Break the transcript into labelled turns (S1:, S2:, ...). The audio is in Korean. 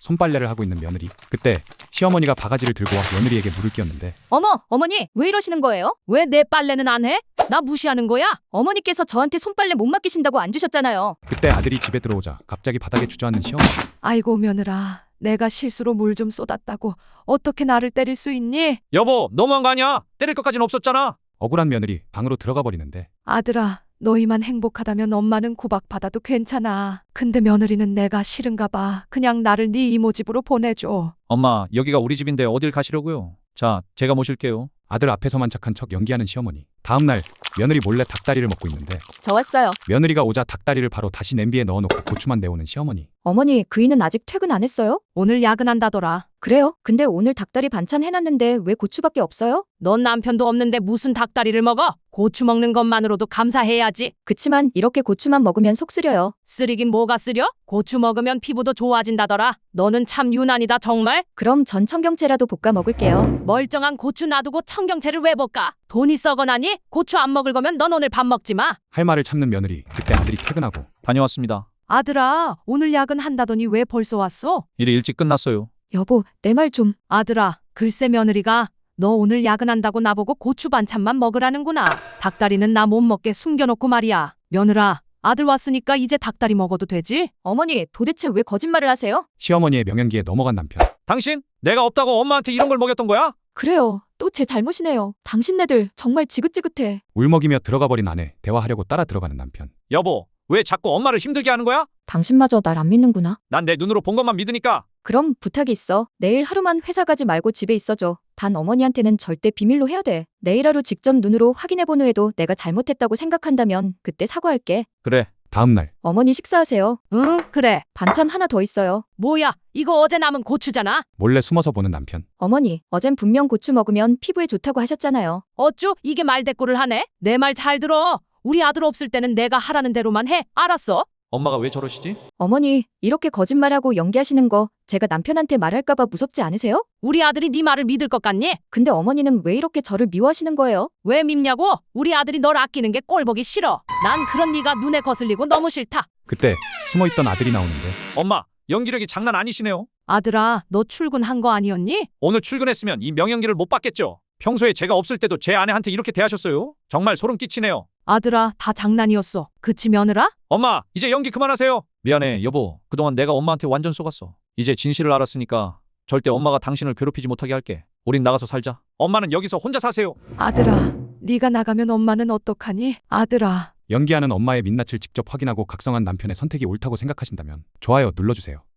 S1: 손빨래를 하고 있는 며느리. 그때 시어머니가 바가지를 들고 와 며느리에게 물을 끼얹는데
S2: 어머니, 왜 이러시는 거예요? 왜 내 빨래는 안 해? 나 무시하는 거야? 어머니께서 저한테 손빨래 못 맡기신다고 안 주셨잖아요.
S1: 그때 아들이 집에 들어오자 갑자기 바닥에 주저앉는 시어머니.
S3: 아이고 며느라, 내가 실수로 물 좀 쏟았다고 어떻게 나를 때릴 수 있니?
S4: 여보, 너무한 거 아니야? 때릴 것까진 없었잖아.
S1: 억울한 며느리 방으로 들어가 버리는데
S3: 아들아, 너희만 행복하다면 엄마는 구박받아도 괜찮아. 근데 며느리는 내가 싫은가 봐. 그냥 나를 네 이모 집으로 보내줘.
S4: 엄마, 여기가 우리 집인데 어딜 가시려고요? 자, 제가 모실게요.
S1: 아들 앞에서만 착한 척 연기하는 시어머니. 다음날 며느리 몰래 닭다리를 먹고 있는데
S2: 저 왔어요.
S1: 며느리가 오자 닭다리를 바로 다시 냄비에 넣어놓고 고추만 내오는 시어머니.
S2: 어머니, 그이는 아직 퇴근 안 했어요?
S3: 오늘 야근한다더라.
S2: 그래요? 근데 오늘 닭다리 반찬 해놨는데 왜 고추밖에 없어요?
S3: 넌 남편도 없는데 무슨 닭다리를 먹어? 고추 먹는 것만으로도 감사해야지.
S2: 그치만 이렇게 고추만 먹으면 속 쓰려요.
S3: 쓰리긴 뭐가 쓰려? 고추 먹으면 피부도 좋아진다더라. 너는 참 유난이다 정말.
S2: 그럼 전 청경채라도 볶아 먹을게요.
S3: 멀쩡한 고추 놔두고 청경채를 왜 볶아? 돈이 썩어나니? 고추 안 먹을 거면 넌 오늘 밥 먹지 마.
S1: 할 말을 참는 며느리. 그때 아들이 퇴근하고
S4: 다녀왔습니다.
S3: 아들아, 오늘 야근한다더니 왜 벌써 왔어?
S4: 일이 일찍 끝났어요.
S2: 여보, 내 말 좀.
S3: 아들아, 글쎄 며느리가 너 오늘 야근한다고 나보고 고추 반찬만 먹으라는구나. 닭다리는 나 못 먹게 숨겨놓고 말이야. 며느라, 아들 왔으니까 이제 닭다리 먹어도 되지?
S2: 어머니, 도대체 왜 거짓말을 하세요?
S1: 시어머니의 명연기에 넘어간 남편.
S4: 당신? 내가 없다고 엄마한테 이런 걸 먹였던 거야?
S2: 그래요. 또 제 잘못이네요. 당신네들 정말 지긋지긋해.
S1: 울먹이며 들어가 버린 아내. 대화하려고 따라 들어가는 남편.
S4: 여보, 왜 자꾸 엄마를 힘들게 하는 거야?
S2: 당신마저 날 안 믿는구나.
S4: 난 내 눈으로 본 것만 믿으니까.
S2: 그럼 부탁이 있어. 내일 하루만 회사 가지 말고 집에 있어줘. 단 어머니한테는 절대 비밀로 해야 돼. 내일 하루 직접 눈으로 확인해본 후에도 내가 잘못했다고 생각한다면 그때 사과할게.
S4: 그래.
S1: 다음날
S2: 어머니 식사하세요.
S3: 응, 그래.
S2: 반찬 하나 더 있어요.
S3: 뭐야, 이거 어제 남은 고추잖아.
S1: 몰래 숨어서 보는 남편.
S2: 어머니, 어젠 분명 고추 먹으면 피부에 좋다고 하셨잖아요.
S3: 어쭈, 이게 말대꾸를 하네? 내 말 잘 들어. 우리 아들 없을 때는 내가 하라는 대로만 해. 알았어?
S4: 엄마가 왜 저러시지?
S2: 어머니, 이렇게 거짓말하고 연기하시는 거 제가 남편한테 말할까봐 무섭지 않으세요?
S3: 우리 아들이 네 말을 믿을 것 같니?
S2: 근데 어머니는 왜 이렇게 저를 미워하시는 거예요?
S3: 왜 밉냐고? 우리 아들이 널 아끼는 게 꼴보기 싫어. 난 그런 네가 눈에 거슬리고 너무 싫다.
S1: 그때 숨어있던 아들이 나오는데
S4: 엄마, 연기력이 장난 아니시네요.
S3: 아들아, 너 출근한 거 아니었니?
S4: 오늘 출근했으면 이 명연기를 못 받겠죠. 평소에 제가 없을 때도 제 아내한테 이렇게 대하셨어요? 정말 소름 끼치네요.
S3: 아들아, 다 장난이었어. 그치 며느라?
S4: 엄마, 이제 연기 그만하세요. 미안해, 여보. 그동안 내가 엄마한테 완전 속았어. 이제 진실을 알았으니까 절대 엄마가 당신을 괴롭히지 못하게 할게. 우린 나가서 살자. 엄마는 여기서 혼자 사세요.
S3: 아들아, 네가 나가면 엄마는 어떡하니? 아들아.
S1: 연기하는 엄마의 민낯을 직접 확인하고 각성한 남편의 선택이 옳다고 생각하신다면 좋아요 눌러주세요.